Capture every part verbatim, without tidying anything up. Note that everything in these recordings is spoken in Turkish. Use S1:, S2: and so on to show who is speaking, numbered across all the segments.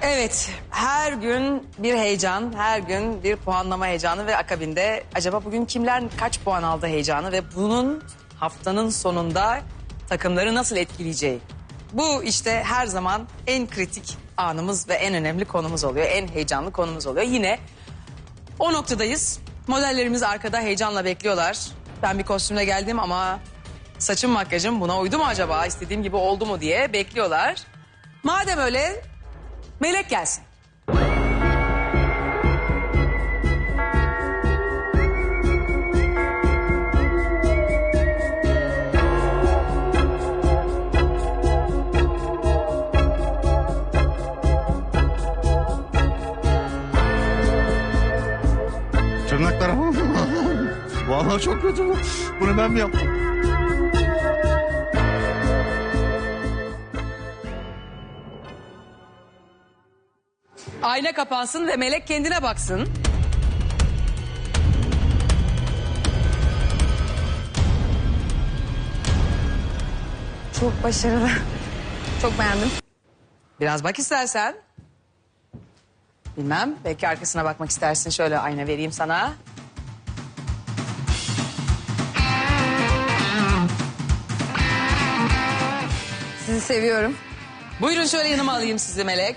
S1: Evet, her gün bir heyecan, her gün bir puanlama heyecanı ve akabinde acaba bugün kimler kaç puan aldı heyecanı ve bunun haftanın sonunda takımları nasıl etkileyeceği. Bu işte her zaman en kritik anımız ve en önemli konumuz oluyor, en heyecanlı konumuz oluyor. Yine o noktadayız. Modellerimiz arkada heyecanla bekliyorlar. Ben bir kostümle geldim ama saçım makyajım buna uydu mu acaba, istediğim gibi oldu mu diye bekliyorlar. Madem öyle Melek gelsin.
S2: Tırnaklarım. Vallahi çok kötü bu. Bunu ben mi yaptım?
S1: Ayna kapansın ve Melek kendine baksın.
S3: Çok başarılı. Çok beğendim.
S1: Biraz bak istersen. Bilmem, belki arkasına bakmak istersin. Şöyle ayna vereyim sana.
S3: Sizi seviyorum.
S1: Buyurun şöyle yanıma alayım sizi Melek.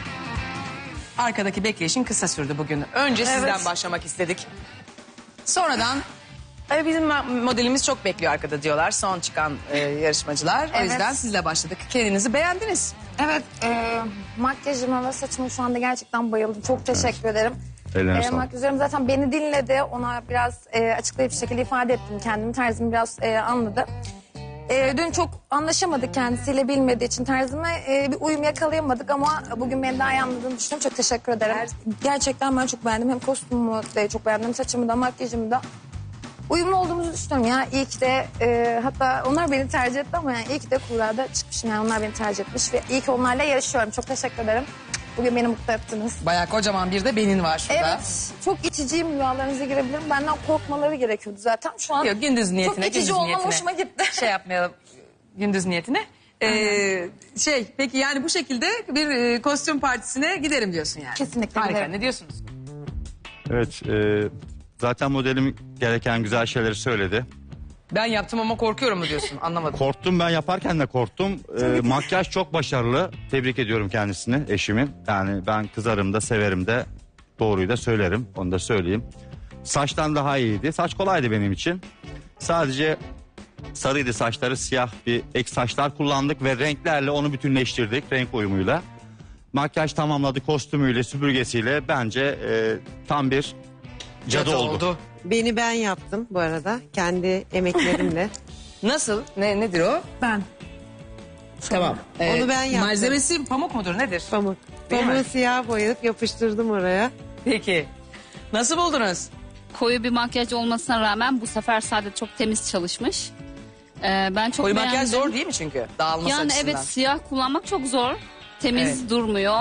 S1: Arkadaki bekleyişin kısa sürdü bugün. Önce sizden
S3: Evet.
S1: başlamak istedik. Sonradan "Ay, bizim modelimiz çok bekliyor arkada" diyorlar son çıkan e, yarışmacılar. O
S3: Evet.
S1: yüzden sizle başladık. Kendinizi beğendiniz.
S3: Evet, e, makyajıma ve saçıma şu anda gerçekten bayıldım. Çok teşekkür ederim.
S2: Ellerine
S3: E,
S2: sağlık.
S3: makyajlarım zaten beni dinledi. Ona biraz e, açıklayıp bir şekilde ifade ettim kendimi. Tarzımı biraz e, anladı. E, dün çok anlaşamadık kendisiyle, bilmediği için tarzıma e, bir uyum yakalayamadık ama bugün beni daha iyi anladığını düşünüyorum. Çok teşekkür ederim. Gerçekten ben çok beğendim. Hem kostümümü de çok beğendim, saçımı da, makyajımı da. Uyumlu olduğumuzu düşünüyorum ya. İyi ki de e, hatta onlar beni tercih etti ama yani iyi ki de kurada çıkmışım. Yani onlar beni tercih etmiş ve iyi ki onlarla yarışıyorum. Çok teşekkür ederim. Bugün beni mutlu ettiniz.
S1: Bayağı kocaman bir de benin var şurada.
S3: Evet, çok içiciyim, rüyalarınıza girebilirim. Benden korkmaları gerekiyordu zaten. Şu an
S1: Yok, gündüz niyetine.
S3: çok itici
S1: gündüz
S3: olmam
S1: niyetine.
S3: hoşuma gitti.
S1: Şey yapmayalım gündüz niyetine. Ee, şey peki yani bu şekilde bir e, kostüm partisine giderim diyorsun yani.
S3: Kesinlikle
S1: Harika,
S3: giderim.
S1: ne diyorsunuz?
S2: Evet. E, zaten modelim gereken güzel şeyleri söyledi.
S1: Ben yaptım ama korkuyorum mu diyorsun, anlamadım.
S2: Korktum, ben yaparken de korktum. E, makyaj çok başarılı. Tebrik ediyorum kendisini, eşimin. Yani ben kızarım da severim de, doğruyu da söylerim. Onu da söyleyeyim. Saçtan daha iyiydi. Saç kolaydı benim için. Sadece sarıydı saçları, siyah bir ek saçlar kullandık ve renklerle onu bütünleştirdik, renk uyumuyla. Makyaj tamamladı, kostümüyle, süpürgesiyle bence e, tam bir cadı, oldu.
S4: Beni ben yaptım bu arada. Kendi emeklerimle.
S1: Nasıl? Ne, nedir o?
S3: Ben.
S1: Tamam.
S4: Onu ben yaptım.
S1: Malzemesi pamuk mudur, nedir?
S4: Pamuk.
S1: Değil mi?
S4: Pamuğu siyah boyayıp yapıştırdım oraya.
S1: Peki. Nasıl buldunuz?
S5: Koyu bir makyaj olmasına rağmen bu sefer Saadet çok temiz çalışmış. Ee, ben çok
S1: Koyu
S5: beğendim.
S1: makyaj zor değil mi çünkü? Dağılması
S5: Yani
S1: açısından.
S5: evet, siyah kullanmak çok zor. Temiz
S1: Evet.
S5: durmuyor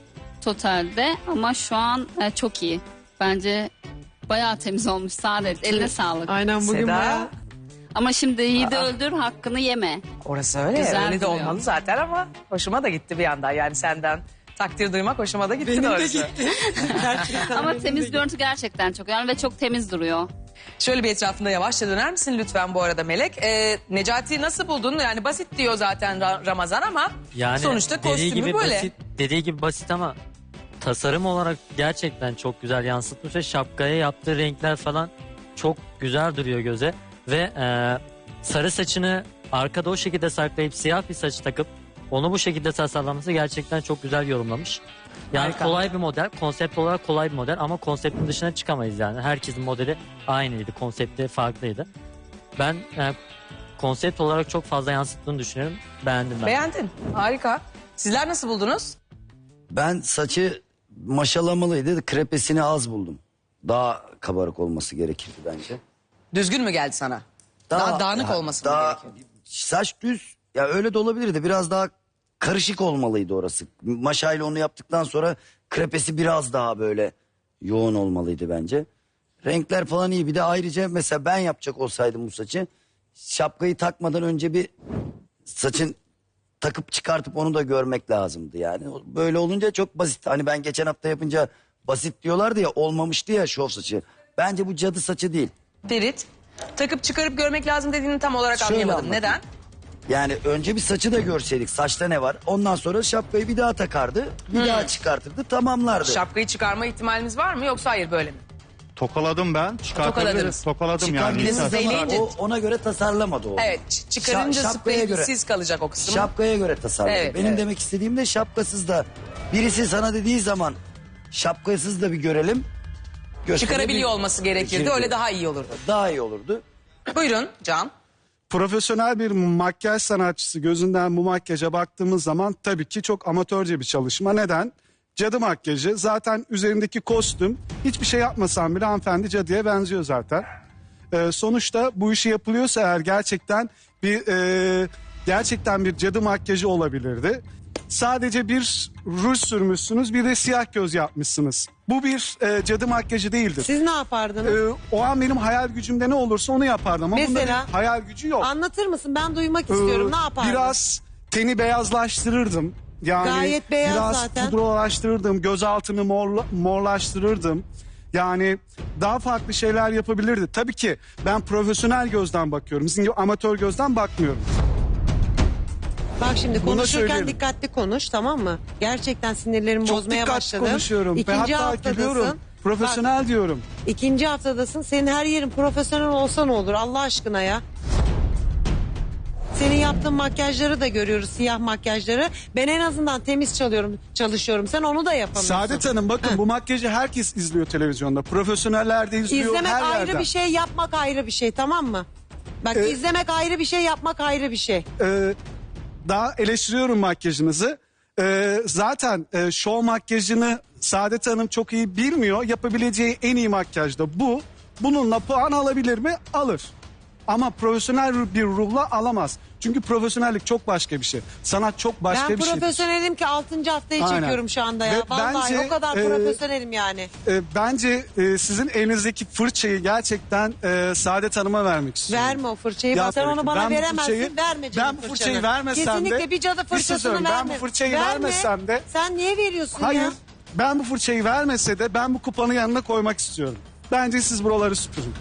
S5: totalde ama şu an e, çok iyi. Bence bayağı temiz olmuş Saadet. Eline sağlık.
S4: Aynen bugün
S1: Seda,
S4: bayağı.
S5: Ama şimdi yiğidi öldür, hakkını yeme.
S1: orası öyle.
S5: Güzel
S1: öyle de
S5: duruyor.
S1: olmalı zaten ama hoşuma da gitti bir yandan. Yani senden takdir duymak hoşuma da gitti doğrusu.
S4: Gerçekten
S5: Ama
S4: benim de
S5: temiz
S4: gitti.
S5: görüntü gerçekten çok önemli ve çok temiz duruyor.
S1: Şöyle bir etrafında yavaşça döner misin lütfen bu arada Melek? Ee, Necati'yi nasıl buldun? Yani basit diyor zaten Ra- Ramazan ama
S6: Yani
S1: sonuçta
S6: dediği
S1: kostümü
S6: gibi
S1: böyle.
S6: basit, dediği gibi basit ama tasarım olarak gerçekten çok güzel yansıtmış ve şapkaya yaptığı renkler falan çok güzel duruyor göze ve e, sarı saçını arkada o şekilde saklayıp siyah bir saç takıp onu bu şekilde tasarlaması gerçekten çok güzel yorumlamış. Yani
S1: Harika.
S6: kolay bir model, konsept olarak kolay bir model ama konseptin dışına çıkamayız yani. Herkesin modeli aynıydı, konsepti farklıydı. Ben e, konsept olarak çok fazla yansıttığını düşünüyorum. Beğendim ben.
S1: Beğendin. Harika. Sizler nasıl buldunuz?
S7: Ben saçı maşalamalıydı. Krepesini az buldum. Daha kabarık olması gerekirdi bence.
S1: Düzgün mü geldi sana? Daha, dağınık
S7: ya,
S1: olması mı
S7: daha-
S1: gerekiyor?
S7: Saç düz. Ya öyle de olabilirdi. Biraz daha karışık olmalıydı orası. Maşayla onu yaptıktan sonra krepesi biraz daha böyle yoğun olmalıydı bence. Renkler falan iyi. Bir de ayrıca mesela ben yapacak olsaydım bu saçı, şapkayı takmadan önce bir saçın takıp çıkartıp onu da görmek lazımdı yani. Böyle olunca çok basit. Hani ben geçen hafta yapınca basit diyorlardı ya, olmamıştı ya şov saçı. Bence bu cadı saçı değil.
S1: Ferit, takıp çıkarıp görmek lazım dediğini tam olarak
S7: Şöyle
S1: anlayamadım.
S7: anlatayım.
S1: Neden?
S7: Yani önce bir saçı da görseydik, saçta ne var? Ondan sonra şapkayı bir daha takardı, bir
S1: Hmm.
S7: daha çıkartırdı, tamamlardı.
S1: Şapkayı çıkarma ihtimalimiz var mı yoksa hayır böyle mi?
S2: Tokaladım ben. Çıkartabilirim.
S1: Tokaladınız.
S2: Tokaladım yani.
S1: Çıkardınız.
S7: Çıkardığınız
S1: Siz
S7: zaman
S1: eğlenince-
S7: o ona göre tasarlamadı o.
S1: Evet, ç- çıkarınca
S7: Şa- şapkaya göre.
S1: siz kalacak o kısım.
S7: Şapkaya göre tasarladı.
S1: Evet,
S7: Benim
S1: evet.
S7: demek istediğim de şapkasız da. Birisi sana dediği zaman şapkasız da bir görelim. gösterelim.
S1: Çıkarabiliyor olması gerekirdi.
S7: Gerekiyor.
S1: Öyle daha iyi olurdu.
S7: Daha iyi olurdu.
S1: Buyurun Can.
S8: Profesyonel bir makyaj sanatçısı gözünden bu makyaja baktığımız zaman tabii ki çok amatörce bir çalışma. Neden? Cadı makyajı. Zaten üzerindeki kostüm, hiçbir şey yapmasan bile hanımefendi cadıya benziyor zaten. Ee, sonuçta bu işi yapılıyorsa eğer gerçekten bir e, gerçekten bir cadı makyajı olabilirdi. Sadece bir ruj sürmüşsünüz, bir de siyah göz yapmışsınız. Bu bir e, cadı makyajı değildir.
S4: Siz ne yapardınız?
S8: Ee, o an benim hayal gücümde ne olursa onu yapardım ama bunda
S4: Mesela?
S8: bir hayal gücü yok.
S4: Anlatır mısın? Ben duymak istiyorum.
S8: Ee,
S4: Ne yapardın?
S8: Biraz teni beyazlaştırırdım. Yani
S4: Gayet beyaz
S8: biraz
S4: zaten.
S8: pudralaştırırdım, gözaltını morla, morlaştırırdım. Yani daha farklı şeyler yapabilirdi. Tabii ki ben profesyonel gözden bakıyorum. Sizin gibi amatör gözden bakmıyorum.
S4: Bak şimdi
S8: Bunu
S4: konuşurken
S8: söyleyelim.
S4: dikkatli konuş, tamam mı? Gerçekten sinirlerimi
S8: Çok
S4: bozmaya
S8: dikkatli
S4: başladım.
S8: konuşuyorum.
S4: İkinci
S8: Ve hatta
S4: haftadasın.
S8: gülüyorum. Profesyonel
S4: Bak,
S8: diyorum.
S4: ikinci haftadasın. Senin her yerin profesyonel olsa ne olur Allah aşkına ya. Senin yaptığın makyajları da görüyoruz, siyah makyajları. Ben en azından temiz çalıyorum, çalışıyorum. Sen onu da yapamıyorsun.
S8: Saadet Hanım bakın bu makyajı herkes izliyor televizyonda. Profesyoneller de izliyor
S4: İzlemek
S8: her
S4: ayrı
S8: yerden.
S4: bir şey, yapmak ayrı bir şey, tamam mı? Bak
S8: Ee,
S4: izlemek ayrı bir şey, yapmak ayrı bir şey.
S8: Ee, daha eleştiriyorum makyajınızı. Ee, zaten e, şov makyajını Saadet Hanım çok iyi bilmiyor. Yapabileceği en iyi makyaj da bu. Bununla puan alabilir mi? Alır. Ama profesyonel bir ruhla alamaz. Çünkü profesyonellik çok başka bir şey. Sanat çok başka
S4: Ben
S8: bir şey.
S4: profesyonelim ki altıncı haftayı
S8: Aynen.
S4: çekiyorum şu anda ya.
S8: Ve
S4: Vallahi
S8: bence,
S4: o kadar
S8: e,
S4: profesyonelim yani.
S8: Ee, bence e, sizin elinizdeki fırçayı gerçekten e, Saadet Hanım'a vermek istiyorum.
S4: Verme o fırçayı.
S8: Ya
S4: Sen
S8: tabii
S4: onu
S8: ki.
S4: bana
S8: Ben bu
S4: veremezsin.
S8: fırçayı-
S4: verme canım
S8: Ben bu
S4: fırçanı.
S8: fırçayı vermesem de...
S4: Kesinlikle bir cadı
S8: Bir şey
S4: fırçasını
S8: söyleyeyim,
S4: verme.
S8: Ben bu fırçayı
S4: Verme.
S8: vermesem de...
S4: Sen niye veriyorsun
S8: Hayır.
S4: ya?
S8: Ben bu fırçayı vermese de ben bu kupanın yanına koymak istiyorum. Bence siz buraları süpürün.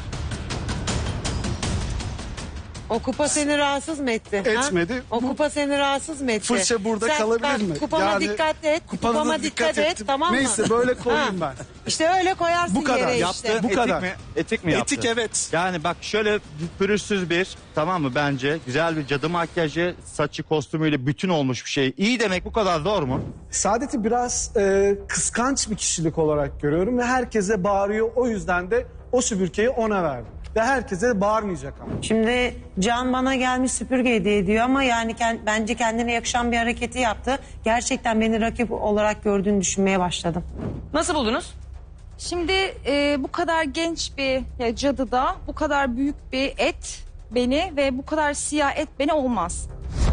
S4: O kupa seni rahatsız mı etti? ha?
S8: Etmedi.
S4: O
S8: Bu
S4: kupa seni rahatsız mı etti?
S8: Fırça burada
S4: Sen
S8: kalabilir
S4: bak,
S8: mi?
S4: Kupama
S8: Yani
S4: dikkat et.
S8: kupana da
S4: Kupama
S8: dikkat
S4: dikkat, et
S8: ettim.
S4: tamam mı?
S8: Neyse, böyle koyayım ben.
S4: İşte öyle koyarsın
S8: Bu kadar.
S4: yere
S8: Yaptı.
S4: işte.
S8: Bu kadar.
S2: Etik mi? Etik mi yaptı?
S8: Etik, evet.
S2: Yani bak şöyle pürüzsüz bir, tamam mı, bence güzel bir cadı makyajı, saçı kostümüyle bütün olmuş bir şey. İyi demek bu kadar zor mu?
S8: Saadet'i biraz e, kıskanç bir kişilik olarak görüyorum ve herkese bağırıyor. O yüzden de o süpürgeyi ona verdim. Ve herkese de bağırmayacak ama.
S9: Şimdi Can bana gelmiş süpürge hediye ediyor ama yani kend- bence kendine yakışan bir hareketi yaptı. Gerçekten beni rakip olarak gördüğünü düşünmeye başladım.
S1: Nasıl buldunuz?
S10: Şimdi e, bu kadar genç bir ya, cadıda bu kadar büyük bir et beni ve bu kadar siyah et beni olmaz.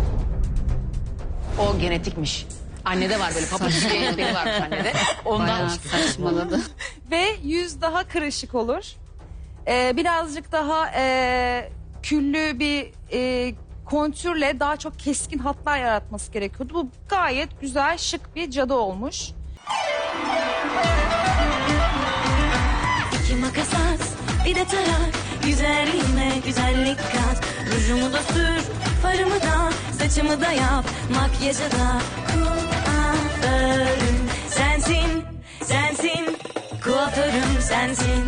S1: O genetikmiş. Annede var böyle papatik bir genetiği varmış annede. Ondan
S5: Bayağı saçmaladı.
S10: Ve yüz daha kırışık olur. E, birazcık daha e, küllü bir e, kontürle daha çok keskin hatlar yaratması gerekiyordu. Bu gayet güzel, şık bir cadı olmuş.
S11: İki makas at, bir de tarak. Güzelliğime güzellik kat. Rujumu da sür, farımı da, saçımı da yap. Makyajı da kuaförüm sensin, sensin. Kuaförüm sensin.